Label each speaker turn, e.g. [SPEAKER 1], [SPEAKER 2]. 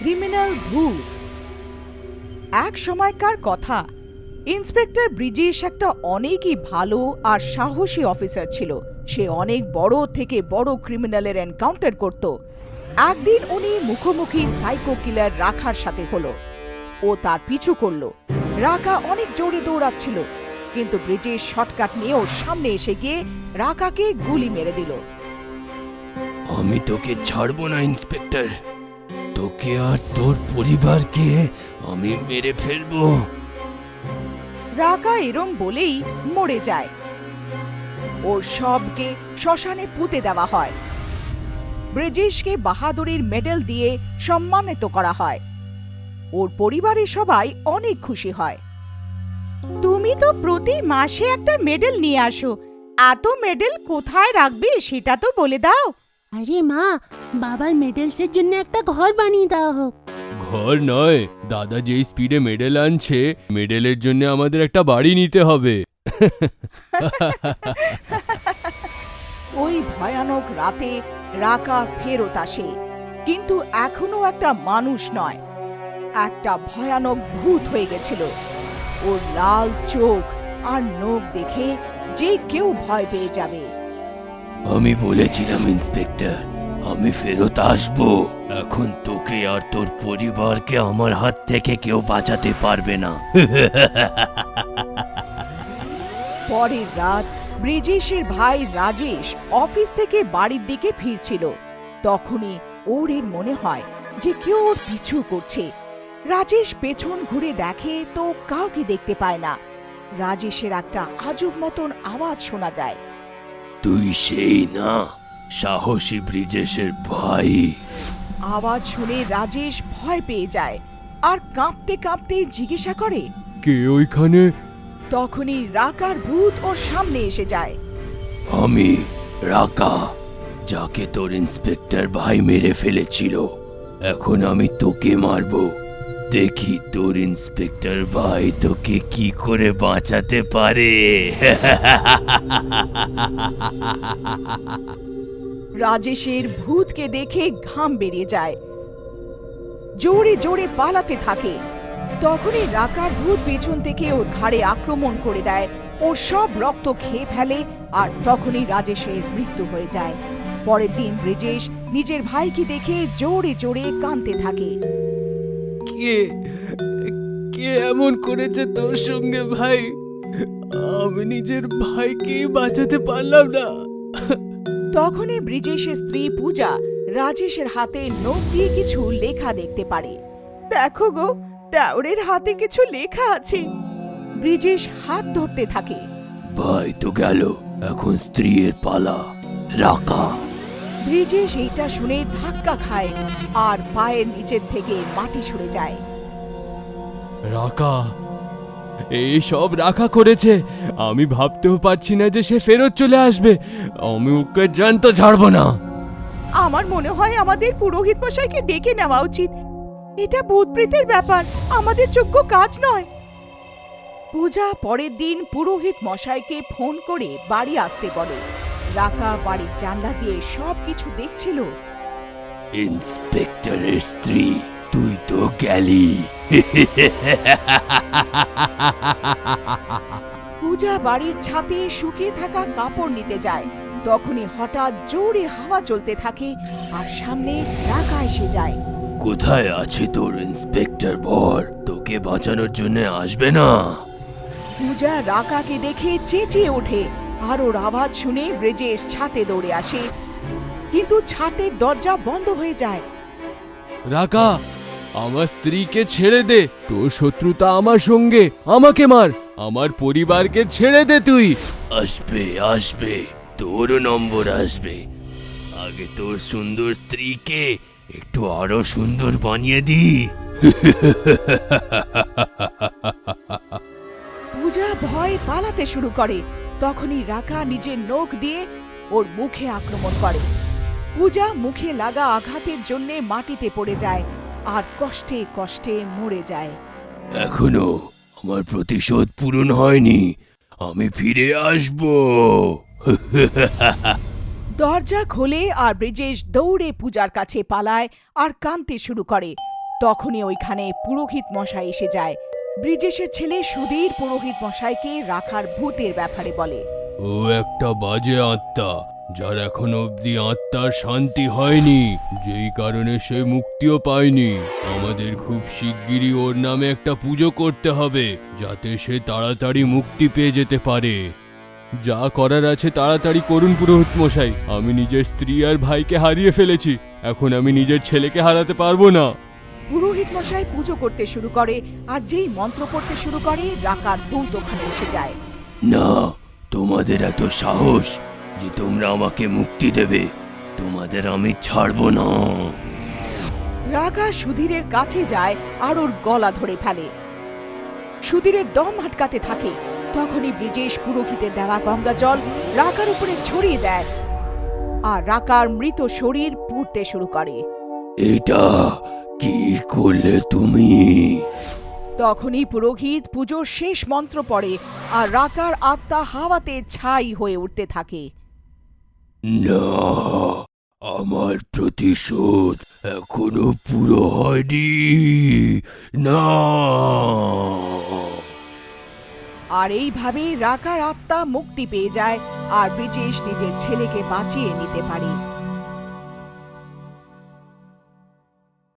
[SPEAKER 1] Criminal ভূত। এক সময়কার কথা, ইন্সপেক্টর ব্রিজেশ একটা অনেকই ভালো আর সাহসী অফিসার ছিল। সে অনেক বড় থেকে বড় ক্রিমিনালের এনকাউন্টার করত। একদিন উনি মুখোমুখি সাইকো কিলার রাখার সাথে হলো। ও তার পিছু করলো। রাকা অনেক জোরে দৌড়াচ্ছিল, কিন্তু ব্রিজেশ শর্টকাট নিয়ে ওর সামনে এসে গিয়ে রাকাকে গুলি মেরে দিল।
[SPEAKER 2] আমি তোকে ছাড়বো না ইন্সপেক্টর, তোকে আর তোর পরিবারকে আমি মেরে ফেলবো।
[SPEAKER 1] রাকা এরম বলেই মরে যায়। ওর সবকে শ্মশানে পুঁতে দেওয়া হয়। ব্রিজেশকে বাহাদুরির মেডেল দিয়ে সম্মানিত করা হয়। ওর পরিবারের সবাই অনেক খুশি হয়। তুমি তো প্রতি মাসে একটা মেডেল নিয়ে আসো, এত মেডেল কোথায় রাখবে সেটা তো বলে দাও।
[SPEAKER 3] আরে মা, বাবার মেডেলসের জন্য একটা ঘর বানিয়ে দেওয়া হোক।
[SPEAKER 2] ঘর নয়, দাদা যেই স্পিডে মেডেল আনছে, মেডেলের জন্য আমাদের একটা বাড়ি নিতে হবে।
[SPEAKER 1] ওই ভয়ানক রাতে রাকা ফেরত আসে, কিন্তু এখনো একটা মানুষ নয়, একটা ভয়ানক ভূত হয়ে গেছিল। ওর লাল চোখ আর নখ দেখে যে কেউ ভয় পেয়ে যাবে।
[SPEAKER 2] আমি বলেছিলাম ইন্সপেক্টর, আমি ফেরত আসবো। এখন তোকে আর তোর পরিবারকে আমার হাত থেকে কেউ বাঁচাতে পারবে না।
[SPEAKER 1] পরের রাত ব্রিজেশের ভাই রাজেশ অফিস থেকে বাড়ির দিকে ফিরছিল। তখনই ওর মনে হয় যে কেউ ওর পিছু করছে। রাজেশ পেছন ঘুরে দেখে তো কাউকে দেখতে পায় না। রাজেশের একটা আজব মতন আওয়াজ শোনা যায়।
[SPEAKER 2] তুই সেই না সাহসী ব্রিজেশের ভাই?
[SPEAKER 1] আওয়াজ শুনে রাজেশ ভয় পেয়ে যায় আর কাঁপতে কাঁপতে জিজ্ঞাসা করে,
[SPEAKER 2] কে ওইখানে?
[SPEAKER 1] তখনই রাকার ভূত ওর সামনে এসে যায়।
[SPEAKER 2] আমি রাকা, যাকে তোর ইন্সপেক্টর ভাই মেরে ফেলেছিল। এখন আমি তোকে মারবো। দেখি তোর ইন্সপেক্টর ভাই তোকে কি করে বাঁচাতে পারে।
[SPEAKER 1] রাজেশের ভূতকে দেখে ঘাম বেরিয়ে যায়, জোরে জোরে পালাতে থাকে। তখনই রাকার ভূত পেছন থেকে ওর ঘাড়ে আক্রমণ করে দেয়, ওর সব রক্ত খেয়ে ফেলে, আর তখনই রাজেশের মৃত্যু হয়ে যায়। পরের দিন ব্রিজেশ নিজের ভাইকে দেখে জোরে জোরে কাঁদতে থাকে।
[SPEAKER 2] কে কে এমন করেছে তোর সঙ্গে ভাই? আমি নিজের ভাইকে বাঁচাতে পারলাম না।
[SPEAKER 1] তখনই ব্রিজেশের স্ত্রী পূজা রাজেশের হাতে নোট দিয়ে কিছু লেখা দেখতে পারে। দেখো গো, দেওরের হাতে কিছু লেখা আছে। ব্রিজেশ হাত ধরতে থাকে।
[SPEAKER 2] ভাই তো গেল, এখন স্ত্রীর পালা। রাকা।
[SPEAKER 1] ব্রিজেশ এইটা শুনে ধাক্কা খায় আর পায়ের নিচের থেকে মাটি সরে যায়।
[SPEAKER 2] রাকা, এই সব রাখা করেছে। আমি ভাবতেও পারছি না যে সে ফেরত চলে আসবে। আমি ওকে জানতো ছাড়বো না।
[SPEAKER 1] আমার মনে হয় আমাদের পুরোহিত মশাইকে ডেকে নেওয়া উচিত। এটা ভূতপ্রেতের ব্যাপার, আমাদের যোগ্য কাজ নয়। পূজা পরের দিন পুরোহিত মশাইকে ফোন করে বাড়ি আসতে বলে। রাকা বাড়ির জানলা দিয়ে সবকিছু দেখছিল।
[SPEAKER 2] ইন্সপেক্টরের স্ত্রী, তুই তো গেলি।
[SPEAKER 1] পূজা বাড়ির ছাদে শুকিয়ে থাকা কাপড় নিতে যায়। তখনই হঠাৎ জোরে হাওয়া চলতে থাকে আর সামনে রাকা এসে যায়।
[SPEAKER 2] কোথায় আছে তোর ইন্সপেক্টর বর? তোকে বাঁচানোর জন্য আসবে না?
[SPEAKER 1] পূজা রাকাকে দেখে চেঁচিয়ে ওঠে, আর ওর আওয়াজ শুনে ব্রিজেশ ছাদে দৌড়ে আসে, কিন্তু ছাদের দরজা বন্ধ হয়ে যায়।
[SPEAKER 2] রাকা, আমার স্ত্রীকে ছেড়ে দে। তোর শত্রুতা আমার সঙ্গে, আমাকে মার। আমার পরিবারকে ছেড়ে দে তুই। আসবে আসবে, তোরও নম্বর আসবে। আগে তোর সুন্দর স্ত্রীকে একটু আরো সুন্দর বানিয়ে দি।
[SPEAKER 1] পূজা ভয় পালাতে শুরু করে। তখনই রাকা নিজের নখ দিয়ে ওর মুখে আক্রমণ করে। পূজা মুখে লাগা আঘাতের জন্য মাটিতে পড়ে যায় আর কষ্টে কষ্টে মরে যায়।
[SPEAKER 2] এখনো আমার প্রতিশোধ পূরণ হয়নি, আমি ফিরে আসব।
[SPEAKER 1] দরজা খোলে আর ব্রিজেশ দৌড়ে পূজার কাছে পালায় আর কাঁদতে শুরু করে। তখনই ওইখানে পুরোহিত মশাই এসে যায়। ব্রিজেশের ছেলে সুধীর পুরোহিত মশাইকে রাখার ভূতের ব্যাপারে বলে।
[SPEAKER 2] ও একটা বাজে আত্মা, যার এখন অবধি আত্মার শান্তি হয়নি, যেই কারণে সে মুক্তিও পায়নি। আমাদের খুব শিগগিরই ওর নামে একটা পুজো করতে হবে, যাতে সে তাড়াতাড়ি মুক্তি পেয়ে যেতে পারে। যা করার আছে তাড়াতাড়ি করুন পুরোহিত মশাই। আমি নিজের স্ত্রী আর ভাইকে হারিয়ে ফেলেছি, এখন আমি নিজের ছেলেকে হারাতে পারবো না।
[SPEAKER 1] পুরোহিত মশাই পুজো করতে শুরু করে, আর যেই মন্ত্র পড়তে শুরু করে রাকার ভূত ওখানে এসে যায়।
[SPEAKER 2] না, তোমাদের এত সাহস যে তোমরা আমাকে মুক্তি দেবে, তোমাদের আমি ছাড়বো না।
[SPEAKER 1] রাকা সুধীরের কাছে যায় আর ওর গলা ধরে ফেলে। সুধীরের দম আটকাতে থাকে। তখনই ব্রিজেশ পুরোহিতের দেওয়া গঙ্গা জল রাকার উপরে ছড়িয়ে দেয়, আর রাকার মৃত শরীর পুড়তে শুরু করে।
[SPEAKER 2] এটা কি করলে তুমি?
[SPEAKER 1] তখনই পুরোহিত পুজোর শেষ মন্ত্র পড়ে, আর রাকার আত্মা হাওয়াতে ছাই হয়ে উঠতে থাকে।
[SPEAKER 2] না, আমার প্রতিশোধ এখনো পুরো হয়নি। না।
[SPEAKER 1] আর এইভাবে রাকার আত্মা মুক্তি পেয়ে যায়, আর ব্রিজেশ নিজের ছেলেকে বাঁচিয়ে নিতে পারে।